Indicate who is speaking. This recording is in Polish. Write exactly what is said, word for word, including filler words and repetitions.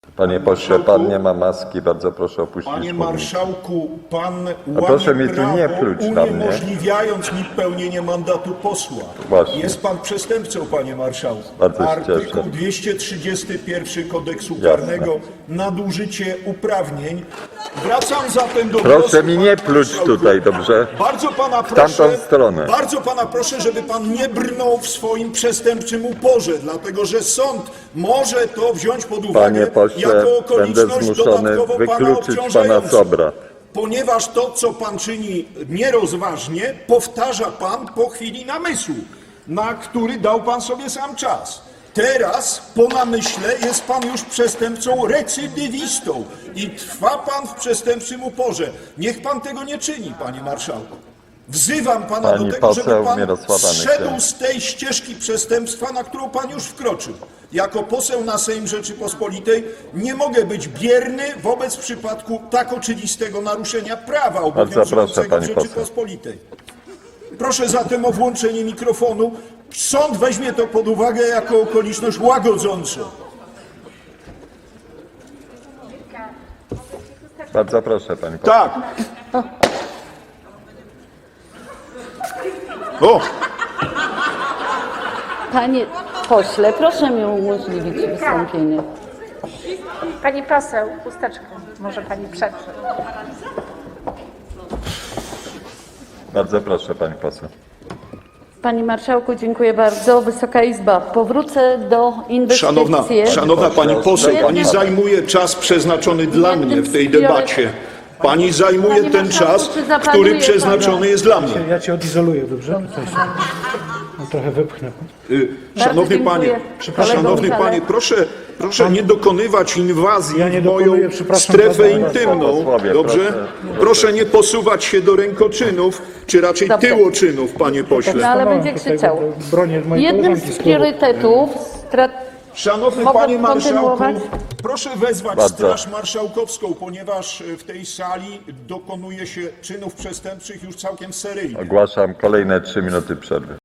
Speaker 1: Panie pośle, pan nie ma maski, bardzo proszę opuścić
Speaker 2: Panie
Speaker 1: mównicę.
Speaker 2: marszałku, pan
Speaker 1: A proszę
Speaker 2: łamie
Speaker 1: mi tu
Speaker 2: prawo,
Speaker 1: nie pluć na mnie.
Speaker 2: uniemożliwiając mi pełnienie mandatu posła.
Speaker 1: Właśnie.
Speaker 2: Jest pan przestępcą, panie marszałku.
Speaker 1: Bardzo się
Speaker 2: Artykuł
Speaker 1: cieszę.
Speaker 2: dwieście trzydziesty pierwszy Kodeksu
Speaker 1: Jasne.
Speaker 2: Karnego, nadużycie uprawnień. Wracam zatem do
Speaker 1: Proszę
Speaker 2: głosu,
Speaker 1: mi
Speaker 2: panie
Speaker 1: nie pluć
Speaker 2: marszałku.
Speaker 1: tutaj, dobrze?
Speaker 2: Bardzo pana
Speaker 1: W
Speaker 2: proszę,
Speaker 1: tamtą stronę.
Speaker 2: bardzo pana proszę, żeby pan nie brnął w swoim przestępczym uporze, dlatego że sąd może to wziąć pod uwagę
Speaker 1: Panie pośle,
Speaker 2: jako
Speaker 1: będę
Speaker 2: okoliczność
Speaker 1: zmuszony
Speaker 2: dodatkowo pana
Speaker 1: wykluczyć pana z
Speaker 2: obciążającą.
Speaker 1: obrad.
Speaker 2: Ponieważ to, co pan czyni nierozważnie, powtarza pan po chwili namysłu, na który dał pan sobie sam czas. Teraz, po namyśle, jest pan już przestępcą recydywistą i trwa pan w przestępczym uporze. Niech pan tego nie czyni, panie marszałku. Wzywam pana
Speaker 1: Pani
Speaker 2: do tego, żeby
Speaker 1: poseł
Speaker 2: pan
Speaker 1: Mirosława
Speaker 2: zszedł
Speaker 1: Nykiel.
Speaker 2: z tej ścieżki przestępstwa, na którą pan już wkroczył. Jako poseł na Sejm Rzeczypospolitej nie mogę być bierny wobec przypadku tak oczywistego naruszenia prawa
Speaker 1: proszę,
Speaker 2: obowiązującego w
Speaker 1: pani poseł.
Speaker 2: Rzeczypospolitej. Proszę zatem o włączenie mikrofonu. Sąd weźmie to pod uwagę jako okoliczność łagodzącą.
Speaker 1: Bardzo proszę, pani poseł.
Speaker 2: Tak. O!
Speaker 3: Panie pośle, proszę mi umożliwić wystąpienie.
Speaker 4: Pani poseł, chusteczkę może pani przetrzeć.
Speaker 1: Bardzo proszę, pani poseł.
Speaker 3: Panie marszałku, dziękuję bardzo. Wysoka Izba, powrócę do inwestycji.
Speaker 2: Szanowna, szanowna pani poseł, pani zajmuje czas przeznaczony dla mnie w tej debacie. Pani zajmuje
Speaker 3: Panie
Speaker 2: ten
Speaker 3: marszałku,
Speaker 2: czas,
Speaker 3: czy zaplanuje
Speaker 2: który
Speaker 3: pan-
Speaker 2: przeznaczony jest dla mnie.
Speaker 5: Ja cię odizoluję, dobrze? Tutaj się no, trochę wypchnę.
Speaker 2: Y, Szanowny
Speaker 3: dziękuję.
Speaker 2: panie,
Speaker 3: Przepraszam,
Speaker 2: szanowny
Speaker 3: Michale.
Speaker 2: panie, proszę, proszę nie dokonywać inwazji
Speaker 5: Ja nie
Speaker 2: w moją
Speaker 5: dokonuję, przepraszam
Speaker 2: strefę
Speaker 5: bardzo.
Speaker 2: intymną,
Speaker 1: Posłowie,
Speaker 2: dobrze?
Speaker 1: proszę,
Speaker 2: Proszę nie posuwać się do rękoczynów, czy raczej
Speaker 3: Dobrze.
Speaker 2: tyłoczynów, panie
Speaker 3: No
Speaker 2: pośle.
Speaker 3: ale
Speaker 5: Stanąłem
Speaker 3: będzie
Speaker 5: tutaj,
Speaker 3: krzyczał.
Speaker 5: bo bronię mojej
Speaker 3: Jednym
Speaker 5: koleżanki
Speaker 3: z
Speaker 5: z klubu.
Speaker 3: priorytetów strat...
Speaker 2: Szanowny
Speaker 3: Mogę
Speaker 2: panie marszałku,
Speaker 3: kontynuować?
Speaker 2: proszę wezwać
Speaker 1: Bardzo.
Speaker 2: Straż Marszałkowską, ponieważ w tej sali dokonuje się czynów przestępczych już całkiem seryjnie.
Speaker 1: Ogłaszam kolejne trzy minuty przerwy.